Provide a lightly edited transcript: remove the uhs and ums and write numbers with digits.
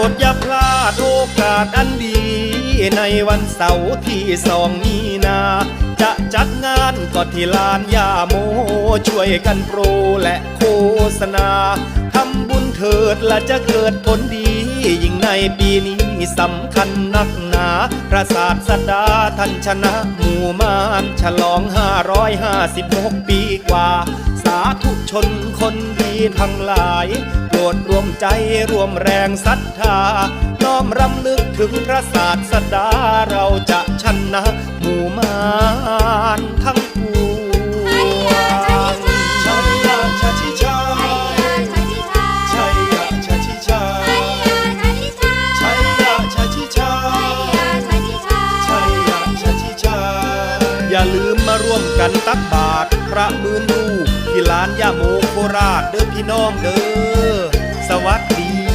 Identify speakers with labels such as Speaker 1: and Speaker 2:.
Speaker 1: ดอย่าพลาดโอกาสอันดีในวันเสาร์ที่2 มีนา จะจัดงานก็ที่ลานย่าโมช่วยกันโปรและโฆษณาทำบุญเถิดและจะเกิดผลดียิ่งในปีนี้สำคัญนักหนาพระศาสดาท่านชนะหมู่มารฉลอง556 ปีกว่าสาธุชนคนดีทั้งหลายโปรดรวมใจรวมแรงศรัทธาน้อมรำลึกถึงพระศาสดาเราจะชนะหมู่มารทั้งปวงชัยยะชะชิชาชัยยะชะชิชาชัยยะชะชิชาชัยยะชะชิชาอย่าลืมมาร่วมกันตักบาตรพระมื่นรูปที่ลานย่าโมโคราชเด้อพี่น้องเด้อสวัสดี